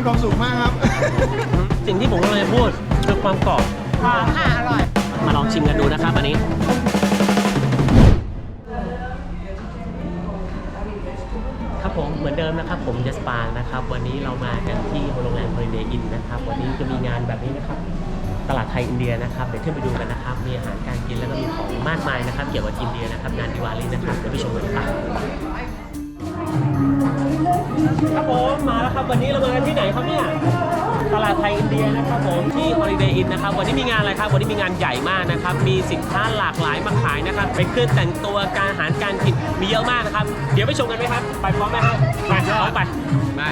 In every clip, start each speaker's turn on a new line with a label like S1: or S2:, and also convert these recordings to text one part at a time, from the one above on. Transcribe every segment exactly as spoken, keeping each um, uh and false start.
S1: ความสุขมากครับ
S2: สิ่งที่ผมกำลังจะพูดคือความกรอบ
S3: หอมค่ะอร่อย
S2: มาลองชิมกันดูนะครับอันนี้ครับผมเหมือนเดิมนะครับผมเจสปางนะครับวันนี้เรามากันที่โรงแรม Holiday Inn นะครับวันนี้จะมีงานแบบนี้นะครับตลาดไทยอินเดียนะครับเดี๋ยวขึ้นไปดูกันนะครับมีอาหารการกินแล้วก็มีของมากมายนะครับเกี่ยวกับอินเดียนะครับงานดิวาลีนะครับเดี๋ยวไปชมกันครับครับผมมาแล้วครับวันนี้เรามาที่ไหนครับเนี่ยตลาดไทยอินเดียนะครับผมที่ Holiday Inn นะครับวันนี้มีงานอะไรครับวันนี้มีงานใหญ่มากนะครับมีสินค้าหลากหลายมาขายนะครับเป็นเครื่องแต่งตัวการอาหารการกินมีเยอะมากนะครับเดี๋ยวไปชมกันไหมครับไปพร้อมไหมครับไปพร้อมไปไป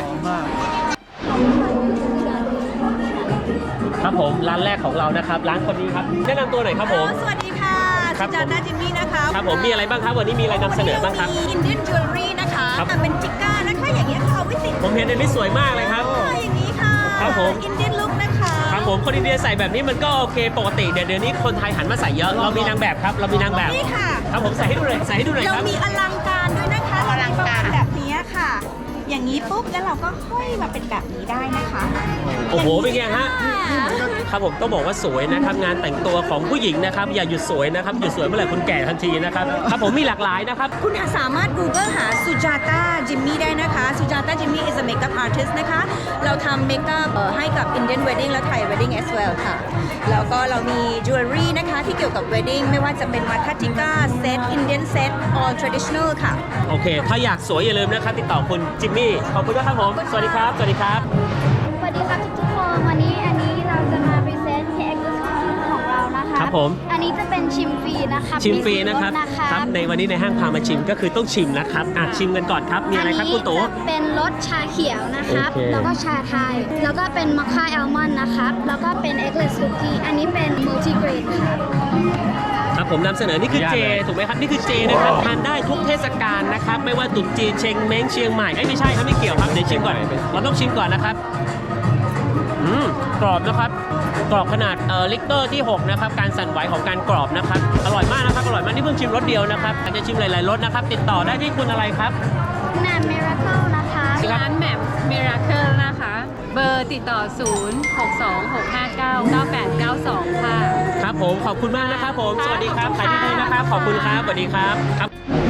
S2: ครับผมร้านแรกของเรานะครับร้านคนนี้ครับแนะนำตัวหน่อยครับผม
S3: สวัสดีค่ะสุจาตาจิมมี่นะคะ
S2: ครับผมมีอะไรบ้างครับวันนี้มีอะไรนำเสนอบ้างครับ
S3: มีอินเดียนจิวเวลรี่นะคะทำเป็นจิก้านะคะอย่างเงี้ยค่ะเอาไว้ติด
S2: ผมเห็นอันนี้สวยมากเลยครับ
S3: อย่างนี้ค่ะ
S2: ครับผม
S3: อินเดียนลุคนะคะ
S2: ครับผมคนอินเดียใส่แบบนี้มันก็โอเคปกติเดี๋ยวเดี๋ยวนี้คนไทยหันมาใส่เยอะเรามีนางแบบครับเรามีนางแบบ
S3: นี่ค่ะ
S2: ครับผมใส่ให้ดูหน่อยใส่ให้ดูหน่อย
S3: เรา
S2: ครับ
S3: มีอลังการด้วยนะคะอลังการแบบนี้ค่ะ อย่างนี้ปุ๊บแล้วเราก็ห้อยมาเป็นแบบนี้ได้นะคะ
S2: โอ้โหเป็นไงฮะ
S3: ค่ะ
S2: ครับผมต้องบอกว่าสวยนะครับงานแต่งตัวของผู้หญิงนะครับอย่าหยุดสวยนะครับหยุดสวยเมื่อไหร่คุณแก่ทันทีนะครับครับผมมีหลากหลายนะครับ
S3: คุณสามารถ Google หาสุจาตาจิมมี่ได้นะคะสุจาตาจิมมี่ is a makeup artist นะคะ เราทำเมคอัพให้กับ Indian wedding และ Thai wedding as well ค่ะ แล้วก็เรามี jewelry นะคะที่เกี่ยวกับ wedding ไม่ว่าจะเป็นมาทัจิก้า set Indian set all traditional ค่ะ
S2: โอเคถ้าอยากสวยอย่าลืมนะครับติดต่อคุณจิมมี่ขอบคุณนะครับผมสวัสดีครับสวัสดีครับ
S4: สวัสดีครับทุกๆคนวันนี้อันนี้เราจะมาพรีเซนต์ที่ Exclusive ของเรานะคะ
S2: ครับผม
S4: อันนี้จะเป็นชิมฟรีนะคะ
S2: ชิมฟรีนะครับ
S4: มีส่วลด
S2: ครับในวันนี้ในห้างพามาชิมก็คือต้องชิมนะครับอ่ะชิมกันก่อนครับมีอะไรครับคุณตู่
S4: อันนี้จะเป็นรสชาเขียวนะครับ
S2: โอเค
S4: แล้วก็ชาไทย แล้วก็เป็นมัคค่าแอลมอนด์นะครับ แล้วก็เป็น Eggless Cookie อันนี้เป็น Multi Grain ครับ
S2: ครับผมนำเสนอนี่คือเจถูกไหมครับนี่คือเจนะครับทานได้ทุกเทศกาลนะครับไม่ว่าตรุษจีนเชงเม้งเชียงใหม่ไอ้ยไม่ใช่ครับไม่เกี่ยวครับเดี๋ยวชิมก่อนเราต้องชิมก่อนนะครับอืมกรอบนะครับกรอบขนาดเอ่อลิกเตอร์ที่หกนะครับการสั่นไหวของการกรอบนะครับอร่อยมากนะครับอร่อยมากนี่เพิ่งชิมรสเดียวนะครับอาจจะชิมหลายๆรสนะครับติดต่อได้ที่คุณอะไรครับ
S4: แหนม Miracle นะคะ
S5: ร้านแหม่ม Miracle นะคะ เบอร์ติดต่อ ศูนย์ หก สอง หก ห้า เก้า เก้า แปด เก้า สอง ค่ะ
S2: ครับผมขอบคุณมากนะครับผมสวัสดีครับขายดีๆนะครับขอบคุณครับสวัสดีครับครับ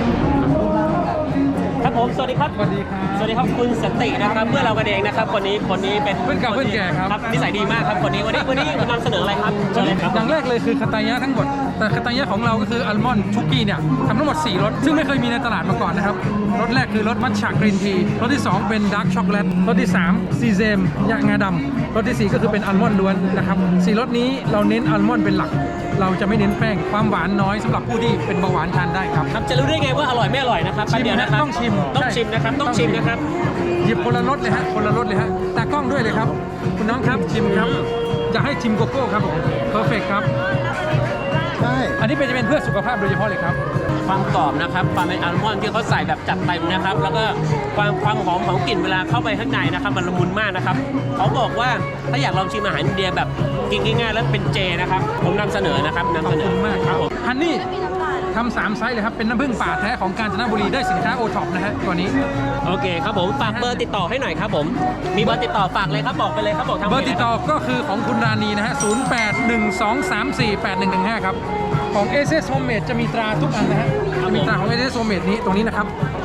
S2: ครับผมสวัสดีครับ
S6: สวัสดีครับ
S2: สวัสดีครับคุณสันตินะครับเพื่อนเรากันเองนะครับคนนี้คนนี้เป็น
S6: เพื่อนเก่าเพื่อนแก่ครับ
S2: นิสัยดีมากครับคนนี้วันนี้วันนี้นำเสนออะไรครับเชิญเลยครับ
S6: อย่างแรกเลยคือคาตายะทั้งหมด แต่คาตายะของเราก็คืออัลมอนด์ชุกกี้เนี่ยทำทั้งหมดสี่รสซึ่งไม่เคยมีในตลาดมาก่อนนะครับรสแรกคือรสมัทฉะกรีนทีรสที่สองเป็นดาร์กช็อกโกแลตรสที่สามซีเซมยะงาดำรสที่สี่ก็คือเป็นอัลมอนด์ล้วนนะครับสี่รสนี้เราเน้นอัลมอนด์เป็นหลัก เราจะไม่เน้นแป้งความหวานน้อยสำหรับผู้ที่เป็นเบาหวานทานได้ครับ
S2: ครับจะรู้ได้ไงว่าอร่อยไม่อร่อยนะครับแป๊บเดียวนะครับ
S6: ต้องชิม
S2: ต้องชิมนะครับต้องชิมนะครับ
S6: หยิบคนละรสเลยฮะคนละรสเลยฮะตากล้องด้วยเลยครับคุณน้องครับชิมครับจะให้ชิมโกโก้ครับผมเพอร์เฟกครับ
S1: ใช่
S6: อันนี้เป็นจะเป็นเพื่อสุขภาพโดยเฉพาะเลยครับ
S2: ความกรอบนะครับความเป็นอัลมอนด์ที่เขาใส่แบบจัดเต็มนะครับแล้วก็ความความหอมของกลิ่นเวลาเข้าไปข้างในนะครับมันละมุนมากนะครับเขาบอกว่าถ้าอยากลองชิมอาหารอินเดียแบบกินง่ายๆแล้วเป็นเจนะครับผมนำเสนอนะครับนำ
S6: ขอ
S2: เส
S6: บ
S2: น
S6: คุ
S2: อ
S6: ณมากครับ
S2: ผม
S6: ฮันนี่ทำสามไซส์เลยครับ เป็นน้ำผึ้งป่าแท้ของกาญจนบุรีได้สินค้าโอท็อปนะฮะตัวนี้
S2: โอเคครับผมฝากเบอร์ติดต่อให้หน่อยครับผมมีเบอร์ติดต่อฝากเลยครับบอกไปเลยครับบอกทาง
S6: เบอร์ติดต่อก็คือของคุณราณีนะฮะ ศูนย์ แปด หนึ่ง สอง สาม สี่ แปด หนึ่ง หนึ่ง ห้า ครับ ของ เอ เอส Homemade จะมีตราทุกอันนะฮะจะมีตราของ เอ เอส Homemade นี้ตรงนี้นะครับ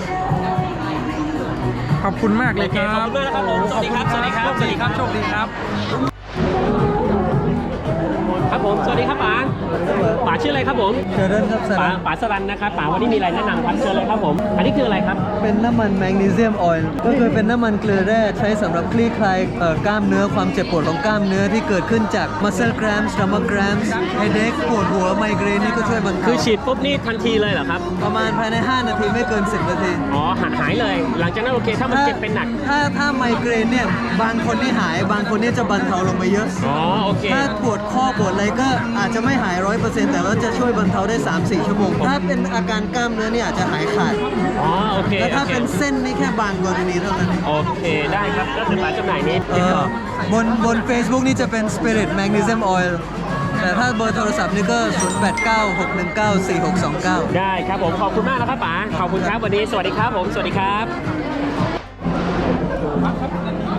S6: ขอบคุณมากเลยครับ
S2: ขอบคุณมากนะครับผมสวัสดีครับสวัสดีครับ
S6: โชคดีครับโชคดีครับ
S2: ครับผมสวัสดีครับป๋าป๋าชื่ออะไรครับผม
S7: เจริญครับส
S2: ป๋า
S7: รัน
S2: ป๋าสรันนะครับป๋าวันนี้มีอะไรแนะนำครับเชิญเลยครับผมอันนี้คืออะไรครับ
S7: เป็นน้ำมันแมกนีเซียมออยล์ก็คือเป็นน้ำมันเกลือแร่ใช้สำหรับคลี่คลายเอ่อกล้ามเนื้อความเจ็บปวดของกล้ามเนื้อที่เกิดขึ้นจาก muscle cramps stomach cramps headache ปวดหัวไมเกรนนี่ก็ช่วยบรรเทา
S2: คือฉีดปุ๊บนี่ทันทีเลยเหรอครับ
S7: ประมาณภายใน ห้า นาทีไม่เกิน สิบ นาที
S2: อ๋อหายเลย หลังจากนั้นโอเคถ้ามันเจ็บเป็นหนัก
S7: ถ้าถ้าไมเกรนเนี่ยบางคนนี่หายบางคนนี่จะบรรเทาลงไปเยอะ
S2: อ๋อโอเค
S7: ถ้าปวดข้อปวดอะไรก็อาจจะไม่หาย ร้อยเปอร์เซ็นต์ แต่ว่าจะช่วยบรรเทาได้ สามถึงสี่ ชั่วโมง ถ้าเป็นอาการกล้ามเนื้อเนี่ยอาจจะหายขาด
S2: อ๋อโอเค
S7: แล้วถ้า
S2: โอค
S7: เป็นเส้นนี่แค่บางกรณีเท่านั้น
S2: โอเคได้ครับก็คือร้านจำหน่ายนี้
S7: เอ่อบนบน Facebook นี่จะเป็น Spirit Magnesium Oil แต่ถ้าเบอร์โทรศัพท์นี่ก็ ศูนย์ แปด เก้า หก หนึ่ง เก้า สี่ หก สอง เก้า
S2: ได้ครับผมขอบคุณมากนะครับป๋าขอบคุณครับวันนี้สวัสดีครับผมสวัสดีครับ ครับผ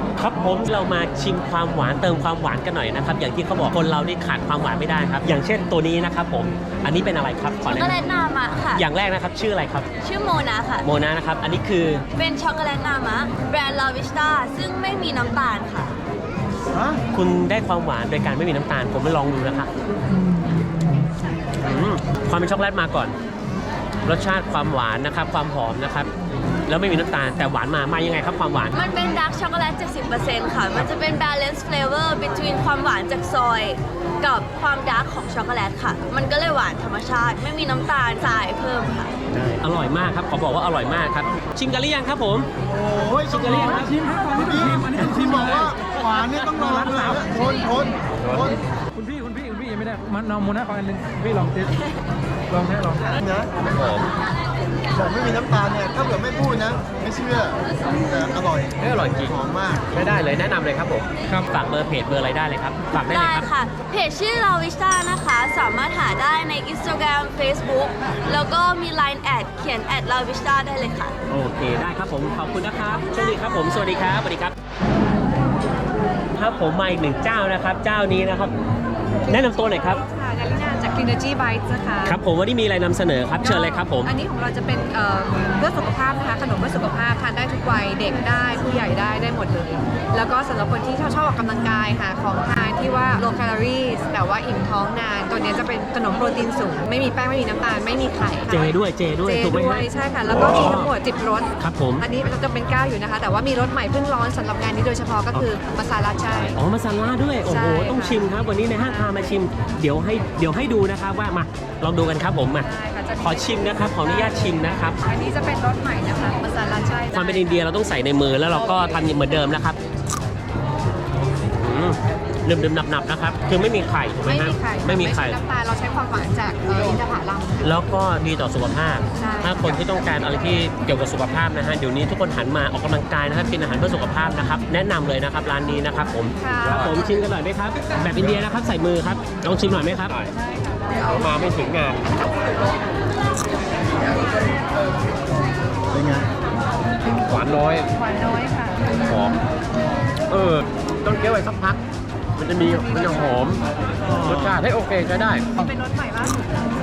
S2: ผมเรามาชิมความหวานเติมความหวานกันหน่อยนะครับอย่างที่เขาบอกคนเรานี่ขาดความหวานไม่ได้ครับอย่างเช่นตัวนี้นะครับผมอันนี้เป็นอะไรครับขอ
S3: ช็อก
S2: แนะ
S3: โกแล
S2: น
S3: ตนามะค่ะ
S2: ำอย่างแรกนะครับชื่ออะไรครับ
S3: ชื่อโมนาค่ะ
S2: โมนานะครับอันนี้คือ
S3: เป็นช็อกโกแลตนามะแบรนด์ลาวิสตาซึ่งไม่มีน้ำตาลค่ะ
S1: ฮะ
S2: คุณได้ความหวานโดยการไม่มีน้ำตาลผมไปลองดูนะครับอืมความเป็นช็อกโกแลตมาก่อน รสชาติความหวานนะครับความหอมนะครับแล้วไม่มีน้ำตาลแต่หวานมามายังไงครับความหวาน
S3: มันเป็นดาร์กช็อกโกแลต เจ็ดสิบเปอร์เซ็นต์ ค่ะ มันจะเป็น balance flavor between ความหวานจากซอย กับความดาร์กของช็อกโกแลตค่ะ มันก็เลยหวานธรรมชาติ ไม่มีน้ำตาลทรายเพิ่มค่ะ
S2: อร่อยมากครับขอบอกว่าอร่อยมากครับชิมกันหรือยังครับผม
S1: โอ้ย
S2: ชิมกันหรือยังครับ
S6: ชิมให้ฟังนิดนึงชิมอันนี้ต้องชิ
S1: ที่
S6: ม
S1: บอก
S6: เลย
S1: ว่าหวานนี่ต้องรอเลยทนทนทน
S6: คุณพี่คุณพี่คุณพี่ยังไม่ได้มันนอมโมนาขออันหนึงพี่ลองติดลองนะลอง
S1: นะบอกไม่มีน้ำตาลเนี่ยถ้าเกิดไม่พูดนะ ไม่เชื่อแต่อร่อย
S2: เอ้ยอร่อยจริง
S1: หอมมาก
S2: ไม่ได้เลยแนะนำเลยครับผม
S6: ครับ
S2: ฝากเบอร์เพจเบอร์อะไรได้เลยครับฝากได้เลย
S3: ได้
S2: ครับ
S3: ค่ะ เพจชื่อลาวิสตานะคะ สามารถหาได้ใน Instagram Facebook แล้วก็มี ไลน์ แอดเขียนแอดลาวิสตาได้เลยค่ะ
S2: โอเคได้ครับผมขอบคุณนะครับโชคดีครับผมสวัสดีครับสวัสดีครับครับผมมาอีกหนึ่งเจ้านะครับ เจ้านี้นะครับ แนะนำตัวหน่อยครับ
S5: ค่ะกาลินาจาก Kinergy Bites นะคะ
S2: ครับผมวันนี้มีอะไรนำเสนอครับเชิญเลยครับผม
S5: อันนี้ของเราจะเป็นเอ่อเพื่อสุขภาพนะคะขนมเพื่อสุขภาพทานได้ทุกวัยเด็กได้ผู้ใหญ่ได้ได้หมดเลย แล้วก็สำหรับคนที่ชอบชอบออกกำลังกายหาของทานที่ว่า low calories แต่ว่าอิ่มท้องนาน ตัวนี้จะเป็นขนมโปรตีนสูง ไม่มีแป้งไม่มีน้ำตาลไม่มีไข่ค่ะ
S2: เจด้วยเจด้วย
S5: เจ
S2: ถูกไหม
S5: ด้ว
S2: ฮะ
S5: ยใช่ค่ะ แล้วก็มีทั้งหมดสิบรส
S2: ครับผม
S5: อันนี้เราจะเป็นเก้าอยู่นะคะ แต่ว่ามีรสใหม่เพิ่งร้อนสำหรับงานนี้โดยเฉพาะก็คือมาซาลาชัย
S2: อ๋อมาซาล่าด้วยโอ้
S5: ใช่
S2: โห
S5: ค่ะ
S2: ต้องชิมครับ วันนี้ในห้างพามาชิม เดี๋ยวให้เดี๋ยวให้ดูนะครับว่ามาลองดูกันครับผมมา
S5: ใช่ค่ะจะมี
S2: ขอชิมนะครับขออนุญาตชิมนะครับ
S5: อันนี้จะเป็นรสใหม่นะคะมาซาลาชัย
S2: ความเป็นอินเดียเราต้องใส่ในมือแล้วเราก็ทำเหมือนเดิมนะครับอืมเดิมๆหนับๆนะครับ คือไม่มีไข่ถูกไหม
S5: ไม่
S2: ฮะ
S5: มีไข่
S2: ไม่มีไข่
S5: น้ำตาลเราใช้ความหวานจากเอ่ออินทผลัม
S2: แล้วก็ดีต่อสุขภาพ
S5: ใช่
S2: ถ้าคนที่ต้องการอะไรที่เกี่ยวกับสุขภาพนะฮะ เดี๋ยวนี้ทุกคนหันมาออกกำลังกายนะครับ กินอาหารเพื่อสุขภาพนะครับ แนะนำเลยนะครับร้านนี้นะครับผม
S5: ค่ะ
S2: ครับผมชิมกันหน่อยไหมครับ แบบอินเดียนะครับใส่มือครับ ลองชิมหน่อยไหมครับเอามาไม่ถึงงาน
S1: เป็นไง
S2: หวานน้อย
S5: หวานน้อยค่ะ
S2: หอม เออ ต้องเคี้ยวไปสักพัก มันจะมี มันจะหอม รสชาติให้โอเคใช้ได้
S5: เป็นรสใหม่ล่าสุด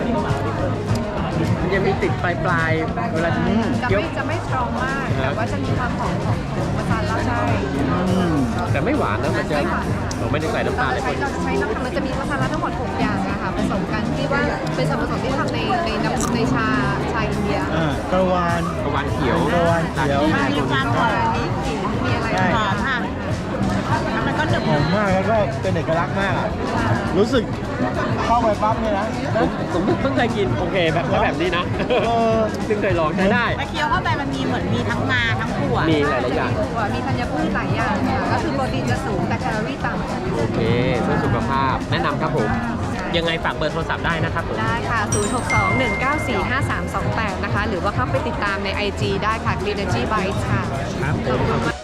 S2: มันยังมีติดปลายปลายๆเวลา
S5: จะ
S2: เคี้ยว
S5: ไม่จะไม่สตรองมาก แต่ว่าจะมีความหอมของของมาซาลาชัย
S2: แต่ไม่หวานนะ มันจะ
S5: ไม่หวาน
S2: เราไม่ได้ใส่น้ำ
S5: เรา
S2: ตาล
S5: จะ
S2: เลย
S5: ใช้เราจะใช้น้ำตาลเราจะมีมาซาลาทั้งหมดหกอย่างนะคะผสมกันที่ว่าเป็นส่วนผสมที่ทำในในน้ำในชาชาอินเดีย
S1: อ่ากระวาน
S2: กระวานเขียว
S1: กระวานเขียว
S5: มีความหวานมีกลิ่นมีอะไร
S1: ใช่
S5: หอมค่ะแล้วมันก็หนึบ
S1: หอมมากแล้วก็เป็นเอกลักษณ์มากอะรู้สึกเข้าไปปั๊บเนี่ยนะ
S2: ผมผมเพิ่งเคยกิน โอเคแบบแล้วแบบนี้นะ
S1: เออ
S2: เพิ่งเคยลองใช้ได้
S3: เคี้ยวเข้าไปมันมีเหมือนมีทั้งงาทั้งถั่ว
S2: มีหลายๆอย่าง
S5: ถั่วมีธัญพืชหลายอย่างค่ะก็คือโปรตีนจะสูงแต่แคลอรี่ต่ำ
S2: โอเคเพื่อสุขภาพ แนะนำครับผม ยังไงฝากเบอร์โทรศัพท์ได้นะครับผม
S5: ได้ค่ะ ศูนย์ หก สอง หนึ่ง เก้า สี่ ห้า สาม สอง แปด นะคะ หรือว่าเข้าไปติดตามใน ไอ จี ได้ค่ะ Kinergy Bites ค่ะ
S2: ครับผม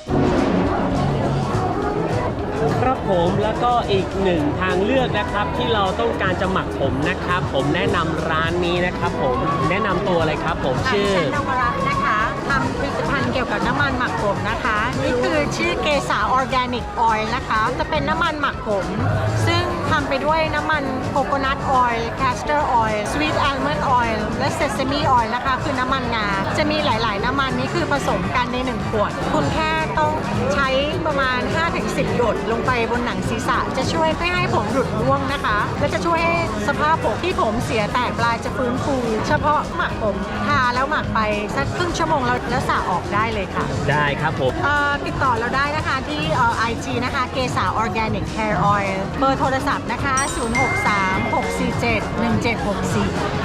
S2: ครับผมแล้วก็อีกหนึ่งทางเลือกนะครับที่เราต้องการจะหมักผมนะครับ ผมแนะนำร้านนี้นะครับผมแนะนำตัวเลยครับผมชื่อ
S8: ดิฉันนวรัตน์นะคะทำผลิตภัณฑ์เกี่ยวกับน้ำมันหมักผมนะคะ นี่คือชื่อเกษาออร์แกนิกออยล์นะคะ จะเป็นน้ำมันหมักผม ซึ่งทำไปด้วยน้ำมันโคโคนัทออยล์แคสเตอร์ออยล์สวีทอัลมอนด์ออยล์และเซซามิออยล์นะคะ คือน้ำมันงา จะมีหลาย ๆ น้ำมันนี้คือผสมกันในหนึ่งขวด คุณแค่ต้องใช้ประมาณ ห้าถึงสิบ หยดลงไปบนหนังศีรษะ จะช่วยไม่ให้ผมหลุดร่วงนะคะ และจะช่วยให้สภาพผมที่ผมเสียแตกปลายจะฟื้นฟู เฉพาะหมักผมทาแล้วหมักไปสักครึ่งชั่วโมงแล้วแล้วสระออกได้เลยค่ะ
S2: ได้ครับผม
S8: เอ่อติดต่อเราได้นะคะที่เอ่อ ไอ จี นะคะเกษาออร์แกนิกแฮร์ออยล์เบอร์โทรศัพท์นะคะ ศูนย์ หก สาม หก สี่ เจ็ด หนึ่ง เจ็ด หก สี่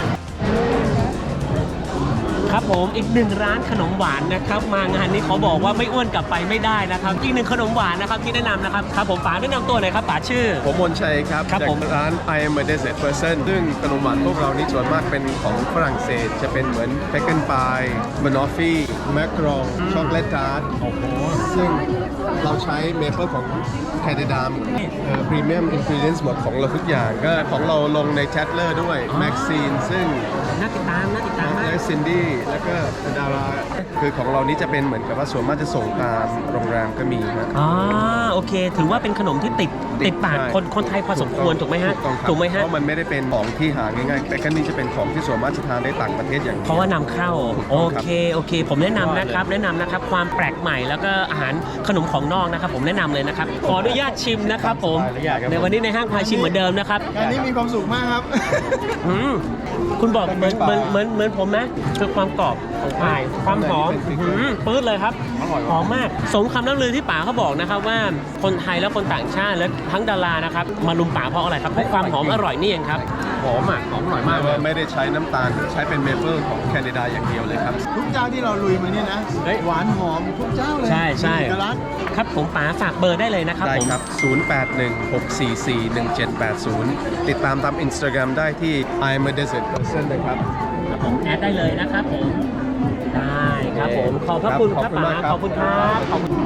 S2: ครับผมอีกหนึ่งร้านขนมหวานนะครับ มางานนี้ขอบอกว่าไม่อ้วนกลับไปไม่ได้นะครับอีกหนึ่งขนมหวานนะครับที่แนะนำนะครับครับผมป๋าแนะนำตัวหน่อยครับป๋าชื่อ
S9: ผมมนชัยครับ
S2: ครับ
S9: จาก
S2: ผม
S9: ร้าน I am a desert person ซึ่งขนมหวานพวกเรานี่ส่วนมากเป็นของฝรั่งเศส จะเป็นเหมือนเ e ก a นพายบานอฟฟี่แมครองช็อกโกแลตทาร์ตโอ้โหซึ่งเราใช้เมเปิลของแคนาดามพรีเมียมอินกรีเดียนหมดของเราทุกอย่าง ก็ของเราลงในแชทเลอร์ด้วยแม็กซีนซึ่ง
S2: น่าติดตามน่าติดตามมาก
S9: และซินดี้แล้วก็ดาราคือของเรานี่จะเป็นเหมือนกับว่าส่วนมากจะส่งตามโรงแรมก็มีนะ
S2: อ๋อโอเค ถือว่าเป็นขนมที่ติดติดปาก
S9: ใช่
S2: คนคนไทยพอสมควรถูกไหมฮะ
S9: ถูกต้องครับ
S2: ถูกไหมฮะ
S9: เพราะมันไม่ได้เป็นของที่หาง่ายๆแต่ก็นี่จะเป็นของที่ส่วนมากจะทานได้ต่างประเทศอย่างดียว
S2: เพราะว่านำเข้า โอเคโอเค ผมแนะนำนะครับ แนะนำนะครับความแปลกใหม่แล้วก็อาหารขนมของนอกนะครับ ผมแนะนำเลยนะครับขออนุญาตชิมนะครับผมในวันนี้ในห้างพาชิมเหมือนเดิมนะครับ
S1: งานนี้มีความสุขมากครับ
S2: อืมคุณบอกเหมือนเหมือนเหมือนเหมือนผมนะคือความกรอบของพายความหอมอืมปื๊ดเลยครับหอมมากสมคำล่ำลือที่ป๋าเขาบอกนะครับว่าคนไทยและคนต่างชาติและทั้งดารานะครับมาลุมป๋าเพราะอะไรครับเพราะความหอมอร่อยนี่เองครับหอมอ่ะหอมอร่อยมากเลย
S9: ไม่ได้ใช้น้ำตาลใช้เป็นเมเปิลของแคนาดาอย่างเดียวเลยครับ
S1: ทุกเจ้าที่เราลุยมาเนี่ยนะ
S2: เฮ้ย
S1: หวานหอมทุกเจ้าเลย
S2: ใช่ใช่
S1: มีเอกลักษณ์
S2: ครับผมป๋าฝากเบอร์ได้เลยนะครับ
S9: ได้
S2: ผม
S9: ครับ ศูนย์ แปด หนึ่ง หก สี่ สี่ หนึ่ง เจ็ด แปด ศูนย์ ติดตามตาม Instagram ได้ที่ I'm a desert person นะครับ
S2: ครับผมแอดได้เลยนะครับผมได้ครับผมขอบพระคุณครับป๋าขอบคุณครับขอบคุณ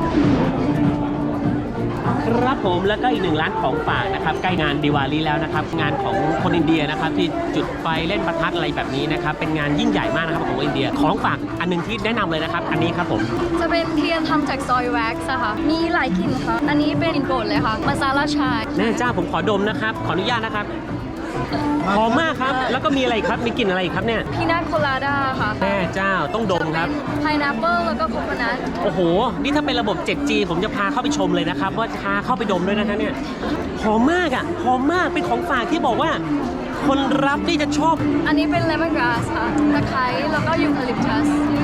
S2: ครับผมแล้วก็อีกหนึ่งร้านของฝากนะครับใกล้งานดิวาลีแล้วนะครับงานของคนอินเดียนะครับที่จุดไฟเล่นประทัดอะไรแบบนี้นะครับเป็นงานยิ่งใหญ่มากนะครับของอินเดียของฝากอันหนึงที่แนะนำเลยนะครับอันนี้ครับผม
S4: จะเป็นเทียนทำจากซอยแว็กซ์อะค่ะ มีหลายกลิ่นค่ะ อันนี้เป็นกลิ่นโปรดเลยค่ะ มาซาลาชาย
S2: แม่เจ้าผมขอดมนะครับขออนุญาตนะครับหอมมากครับแล้วก็มีอะไรอีกครับมีกลิ่นอะไรอีกครับเนี่ย
S4: พีนัทโคลาดาค่ะ
S2: แม่เจ้าต้องดมครับ
S4: ไพนแอปเปิลแล้วก็โคโคนัท
S2: โอ้โห นี่ถ้าเป็นระบบ เจ็ดจี ผมจะพาเข้าไปชมเลยนะครับ ว่าพาเข้าไปดมด้วยนะคะเนี่ย หอมมากอ่ะ หอมมาก เป็นของฝากที่บอกว่า คนรับนี่จะชอบ
S4: อันนี้เป็นเลมอนกราสค่ะ ตะไคร้แล้วก็ยูคาลิปตัส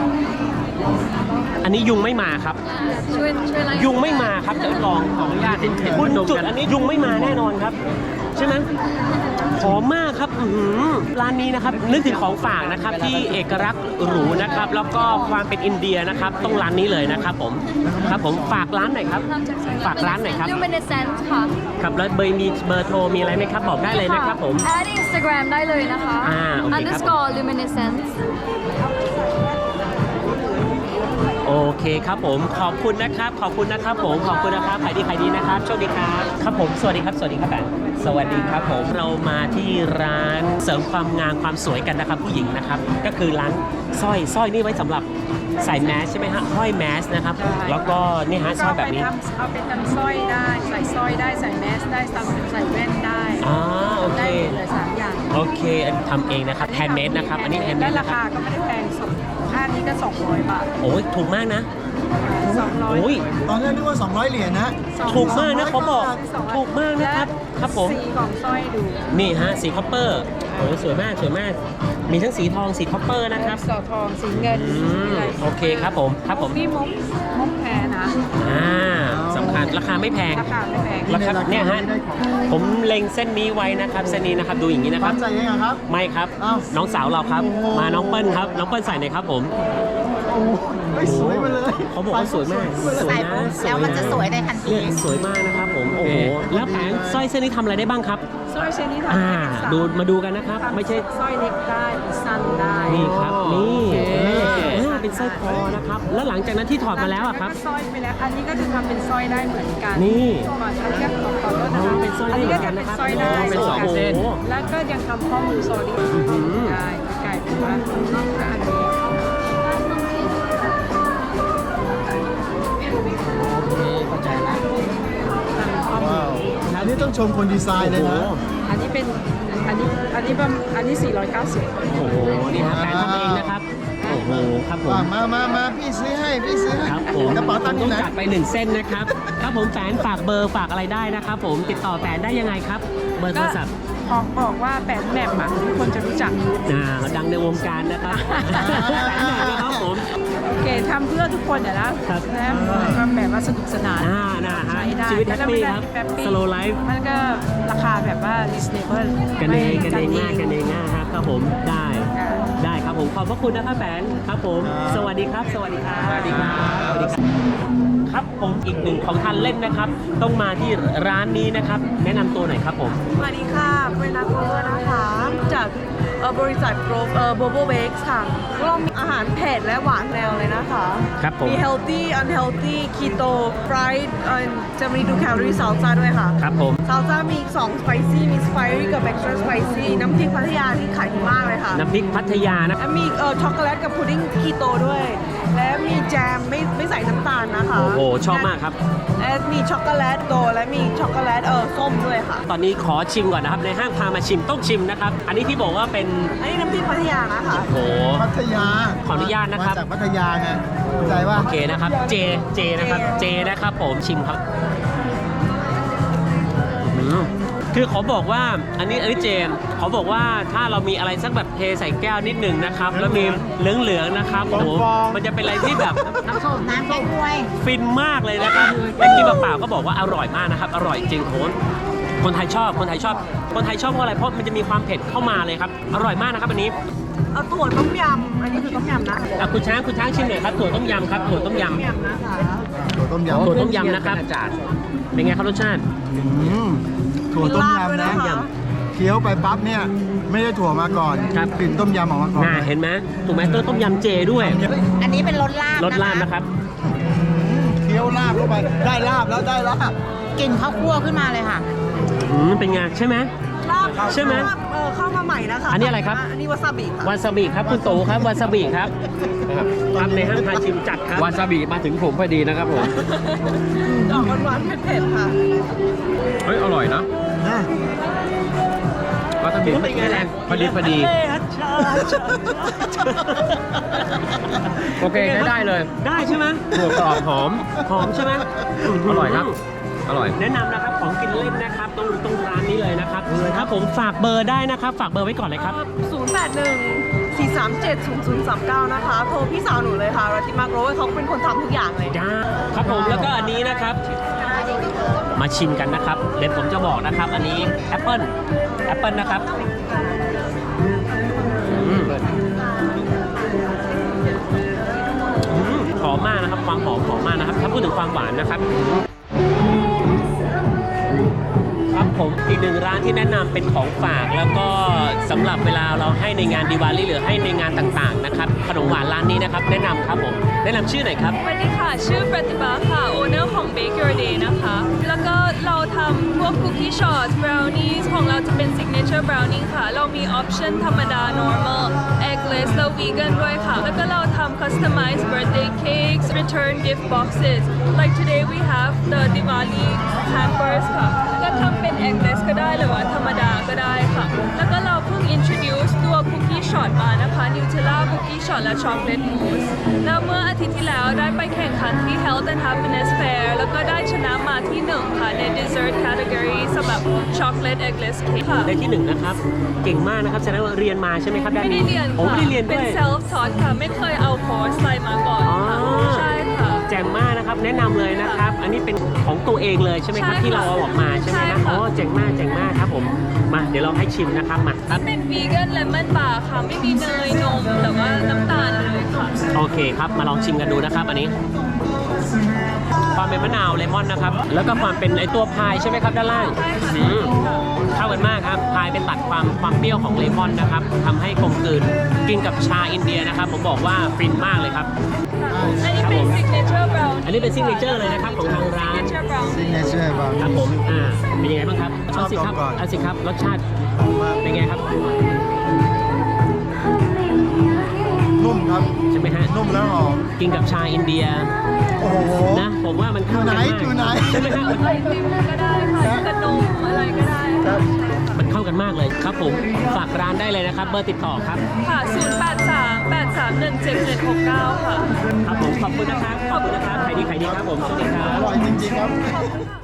S2: อันนี้ยุงไม่มาครับ
S4: ช่วยช่วยไล่
S2: ยุงไม่มาครับจะลองขออนุญาตคุณจุดอันนี้ยุงไม่มาแน่นอนครับ ใช่ไหมหอมมากครับอื้อหือร้านนี้นะครับนึกถึงของฝากนะครับที่เอกลักษณ์หรูนะครับแล้วก็ความเป็นอินเดียนะครับต้องร้านนี้เลยนะครับผมครับผมฝากร้านหน่อยครับ
S4: ทำจากซอย
S2: ฝากร้านหน่อยครับ
S4: ลูมิเนเซนซ์ค่ะ
S2: ครับแล้วเบอร์มีเบอร์โทรมีอะไรไหมครับบอกได้เลยนะครับผม
S4: แอดอินสตาแกรมได้เลยนะคะ
S2: อ่าโอเคครับ
S4: underscore luminescence
S2: โอเคครับผมขอบคุณนะครับขอบคุณนะครับผมขอบคุณนะครับขายดีขายดีนะครับโชคดีครับครับผมสวัสดีครับสวัสดีครับแบนสวัสดีครับผมเรามาที่ร้านเสริมความงามความสวยกันนะครับผู้หญิงนะครับก็คือร้านสร้อยสร้อยนี่ไว้สำหรับใส่แมสใช่ไหมฮะห้อยแมสนะครับแล้วก็นี่ฮะสร้อยแบบนี้
S5: ก็เอาไปทำเอาไปทำสร้อยได้ ใส่สร้อยได้ใส่แมสได้ใส่ใส่แว่นได้
S2: อ๋อโอเค
S5: ได้หมดเลยสามอย่าง
S2: โอเคทำเองนะครับแฮนด์เมดนะครับอันนี้แฮนด์เม
S5: และ
S2: ด
S5: ราคาก็ไม่ได้แพงสองค่านี้ก็สองร้อยบาท
S2: โอ้ยถูกมากนะ
S5: สองร้อย
S2: โอ้ย
S1: ตอนแรกนึกว่า สองร้อย เหรียญนะ
S2: ถูกมากนะเขาบอกถูกมากนะครับครับผม
S5: สีของสร้อยดู
S2: นี่ฮะสีคอปเปอร์โอ้สวยมากสวยมาก มีทั้งสีทองสีคอปเปอร์นะครับ
S5: สีทองสีเงิน
S2: อืม
S5: ะไร
S2: โอเคครับผมครับผม
S5: นี่มุกมุกแพรนะ
S2: อ่าสำคัญราคาไม่แพง
S5: ราคาไม่แพง
S2: ราคาเนี่ยฮะ
S1: ได้ของ
S2: ผมเล็งเส้นนี้ไว้นะครับเส้นนี้นะครับดูอย่างนี้นะค
S1: ปั้
S2: รับ
S1: นใจเองเหรอครับ
S2: ไม่ครับ
S1: อ้าว
S2: น้องสาวเราครับ
S1: โอ้โห
S2: มาน้องเปิ้ลครับน้องเปิ้ลใส่หน่อยครับผม
S1: โอ้ไม่สวยมาเลย
S2: เขาบอกว่าสวยมากสวยนะสวย
S3: แล้วมันจะสวยในทันที
S2: เนี่ยสวยมากนะครับผมโอ้โหแล้วแผงสร้อยเส้นนี้ทำอะไรได้บ้างครับ
S5: สร้อยเส้นนี้ทำ
S2: อ่า
S5: ได้เป็นสาม
S2: ดูมาดูกันนะครับ ไม่ใช่
S5: สร้อยเล็กได้เป็นสั้นได้
S2: นี่ครับนี่
S5: โอเค
S2: เออเป็นสร้อยคอนะครับ แล้วหลังจากนั้นที่ถอดมาแล้วอะครับ
S5: สร้อยไปแล้วอันนี้ก็จะทำเป็นสร้อยได้เหมือนกัน
S2: นี่
S5: ก่อนอันนี้ก็ขอขอโทษนะ
S2: อ๋
S5: คะ
S2: อเป็นสร้อยได้
S5: อันนี้ก็จะ
S2: เหมื
S5: เป็
S2: อน นกันนะครับ
S5: สร้อยได้
S2: อ๋อเป็นสองเส้น
S5: แล้วก็ยังทำข้อมือโซดี
S2: หือ
S5: ได้กลายเป็นว่าอันนี้
S2: เข้าใจแล้ว
S5: ทำข้อมื
S1: ว้า
S5: อ
S1: วอันนี้ต้องชมคนดีไซน์เลยนะ
S5: อันนี้เป็นอันนี้อันนี้ประมาณอันนี้สี่ร้อยเก้าสิบ
S2: โอ้โห นี่ฮะแฟนทำเองนะครับ โอ้โห ครับผม
S1: มามามามาพี่ซื้อให้ พี่ซื้อให้
S2: ครับผม
S1: กระเป๋าตังค์อยู่ไหน
S2: ต้องจัดไปหนึ่งเส้นนะครับ ครับผมแฟนฝากเบอร์ฝากอะไรได้นะครับผม ติดต่อแฟนได้ยังไงครับ เบอร์โทรศัพท์
S5: บอกบอกว่าแปดแหม่มอ่ะทุกคนจะรู้จัก
S2: อ่าดังในวงการนะครับแฟนไหนนะครับผม
S5: โอเคทำเพื่อทุกคนอะนะครับ นะทำแบบว่าสนุกสนาน
S2: อ่าน่าฮะ
S5: ใช้ได้
S2: ชีวิตแฮปปี้
S5: ล้ว
S2: ครับ
S5: แฮปปี้
S2: slow life
S5: มันก็ราคาแบบว่า reasonable
S2: กันเอง
S5: ไม่
S2: กันเองมากกันเองมากครับครับผมได้
S5: ค่ะ
S2: ได้ครับผมขอบพระคุณนะครับแฟนครับผม
S1: ครับ
S2: สวัสดีครับ สวัสดีครับสวัสดีครับสวัสดีครับครับผมอีกหนึ่งของทานเล่นนะครับ ต้องมาที่ร้านนี้นะครับ แนะนำตัวหน่อยครับผม
S10: สวัสดีค่ะเป็นนักโรเวอร์นะคะ จากเอ่อบริษัทโกลบเอ่อโบโบเบกค่ะก็มีอาหารเผ็ดและหวานแนวเลยนะคะ
S2: ครับผม
S10: มี healthy unhealthy keto fried เอ่อจะมีดูแคลอรี่ซ a ลซ่าด้วยค่ะ
S2: ครับผม
S10: ซ a ลซ่ามีสอง spicy มี spicy กับ extra spicy น้ำพริกพัทยาที่ขายดีมากเลยค่ะ
S2: น้ำพริกพัทยานะ
S10: และมีเอ่อช็อกโกแลตกับพุดดิ้งคีโตด้วย และมีแจมไม่ไม่ใส่น้ำตาลนะคะ
S2: โอ้โหชอบมากครับ
S10: และมีช็อกโกแลตโตและมีช็อกโกแลตเออส้มด้วยค่ะ
S2: ตอนนี้ขอชิมก่อนนะครับ ในห้างพามาชิมต้องชิมนะครับ อันนี้ที่บอกว่าเป็น
S10: อันนี้น้ำพริกพัทยานะคะ
S2: โอ้โห
S1: พัทยา
S2: ขออนุญาตนะครับ
S1: มาจากพัทยาไงเข้าใจว่า
S2: โอเคนะครับ เจ เจนะครับ เจนะครับผมชิมครับอืมคือขอบอกว่าอันนี้อันนี้เจมขอบอกว่าถ้าเรามีอะไรสักแบบเทใส่แก้วนิดหนึ่งนะครับ แล้วมีเหลืองๆนะครับโอ้โหมันจะเป็นอะไรที่แบบ
S8: น้ำส้มน้ำแก้วย
S2: ฟินมากเลยนะครับแต่กินเปล่าๆก็บอกว่าอร่อยมากนะครับ อร่อยจริงโหคนไทยชอบ คนไทยชอบ คนไทยชอบเพราะอะไร เพราะมันจะมีความเผ็ดเข้ามาเลยครับ อร่อยมากนะครับอันนี้
S10: เอาถั่วต้มยำ อันนี้คือต้มยำนะคะ
S2: อ่ะคุณช้างคุณช้างชิมหน่อยครับถั่วต้มยำครับถั่วต้มย
S10: ต้มยำนะคะ
S1: ถั่วต้ม
S2: ำ
S1: ยำ
S2: ถั่วต้มยำนะครับเป็นไงครับรสชาติ
S1: อืมถั่วต้ม
S10: มีลาบด้วย
S1: ยำนะ
S10: นะคะ
S1: เคี้ยวไปปั๊บเนี่ย ไม่ได้ถั่วมาก่อน
S2: ครับ
S1: กลิ่นต้มยำออกมาก่อน
S2: น่าเห็นไหมถูกไหมต้มยำเจด้วย
S8: อันนี้เป็นรสลาบ
S2: รสลาบนะครับ
S1: เคี้ยวลาบเข้าไป ได้ลาบแล้วได้ลาบ
S8: กลิ่นข้าวคั่วขึ้นมาเลยค่ะ
S2: อืมเป็นไงใช่ไหม
S10: ลาบ
S2: ใช่ไหม
S10: ลาบเออเข้ามาใหม่นะคะ
S2: อันนี้อะไรครับ
S10: อันนี้วาซาบิค่ะ
S2: วาซาบิครับคุณโตครับวาซาบิครับครับในห้างพาชิมจัดครับวาซาบิมาถึงผมพอดีนะครับผม
S10: ออกหวานๆเผ็ดๆค่ะ
S2: เฮ้ยอร่อยนะวาซาบิเป็นไงแรงพอดีพอดีโอเคใช้ได้เลยได้ใช่ไหมถั่วกรอบหอมหอมใช่ไหมอร่อยครับอร่อยแนะนำนะครับของกินเล่นนะครับตรงตรงร้านนี้เลยนะครับครับผมฝากเบอร์ได้นะครับ ฝากเบอร์ไว้ก่อนเลยครับ
S10: ศูนย์ แปด หนึ่ง สี่ สาม เจ็ด ศูนย์ ศูนย์ สาม เก้า นะคะ โทรพี่สาวหนูเลยค่ะรัติมาโกรเขาเป็นคนทำทุกอย่างเลย
S2: จ้าครับผมแล้วก็อันนี้นะครับ มาชิมกันนะครับเดี๋ยวผมจะบอกนะครับ อันนี้แอปเปิลแอปเปิลนะครับอืมอืมหอมมากนะครับความหอมหอมมากนะครับถ้าพูดถึงความหวานนะครับ ครับผมอีกหนึ่งร้านที่แนะนำเป็นของฝากแล้วก็สำหรับเวลาเราให้ในงานดิวาลีหรือให้ในงานต่างๆนะครับขนมหวานร้านนี้นะครับแนะนำครับผมแนะนำชื่อหน่อยครับ
S11: สวัสดีค่ะ ชื่อปฏิบัติค่ะ โอเนอร์ของ Bake Your Day นะคะ แล้วก็เราทำพวกคุกกี้ช็อต brownies ของเราจะเป็น signature brownie ค่ะ เรามี option ธรรมดา normal eggless แล้ว vegan ด้วยค่ะ แล้วก็เราทำ customized birthday cakes return gift boxes like today we have the Diwali hampers ค่ะ ก็ทำเป็น eggless ก็ได้หรือว่าธรรมดาก็ได้ค่ะ แล้วก็เราเพิ่ง introduce ตัวคุกกี้ช็อตมานะคะ Nutella cookie shot และ chocolate mousse แล้วเมื่ออาทิตย์ที่แล้วได้ไปแข่งขันที่ Health and Happiness Fair แล้วก็ได้ชนะมาที่หนึ่งค่ะใน dessert category สำหรับ chocolate eggless cake ค่ะ
S2: ได้ที่หนึ่งนะครับเก่งมากนะครับแสดงว่าเรียนมาใช่ไหมครับด้าน
S11: ไม่ได้
S2: นี้
S11: เรียน
S2: โอ้
S11: ค่ะ
S2: ไม่ได้เรียนด้
S11: เป็
S2: วน ย
S11: self taught ค่ะ ไม่เคยเอาคอร์สอะไรมาก่อน
S2: อ๋อ
S11: ค่ะใช่ค่ะ
S2: แจ่มมากนะครับแนะนำเลยนะครับ อันนี้เป็นของตัวเองเลยใช่ไหมครับ
S11: ใช่ค่ะ
S2: ที่เราเอาออกมาใช่ไหมครับ
S11: ใช่ค่ะ
S2: อ๋อเจ๋งมากเจ๋งมากครับผมมาเดี๋ยวเราให้ชิมนะครับมาครับ
S11: เป็น vegan lemon bar ค่ะ ไม่มีเนยนมหรือว่าน้ำตาลเลยค่ะ
S2: โอเคครับมาลองชิมกันดูนะครับ อันนี้ ความเป็นมะนาวเลมอนนะครับ แล้วก็ความเป็นไอตัวพายใช่ไหมครับด้านล่าง
S11: ใช่ค่ะ
S2: อืมเข้ากันมากครับพายเป็นตัดความความเปรี้ยวของเลมอนนะครับทำให้กลมกลืนกินกับชาอินเดียนะครับ ผมบอกว่าฟินมากเลยครับ
S11: อันนี้เป็น signature brownie
S2: อันนี้เป็นซิกเนเจอร์เลยนะครับของทางร้าน
S11: signature brownie
S1: ซิงเนเจอร์บาง
S2: ครับผมอ่าเป็นยังไงบ้างครับ
S1: ชอบ
S2: เาสิครับ
S1: ก่อน
S2: เอาสิครับรสชาติเป็นไงครับ
S1: นุ่มครับ
S2: ใช่ไหมฮะ
S1: นุ่มแล้วหอม
S2: กินกับชาอินเดีย
S1: โอ้โห
S2: นะผมว่ามันเข้ากันมาก
S1: อยู่ไหน
S2: ใช่ไหมฮะ
S11: ไอติมก็ได้ค่ะขนมอะไรก็ได้ค่ะ
S2: มันเข้ากันมากเลยครับผมฝากร้านได้เลยนะครับเบอร์ติดต่อครับ
S11: ค่ะ ศูนย์ แปด สาม แปด สาม หนึ่ง เจ็ด เจ็ด หก เก้า ค่ะ
S2: ครับผมขอบคุณนะครับขอบคุณนะครับใครดีใครดีครับผมสวัสดีครับ
S1: อร่อยจริงๆครับ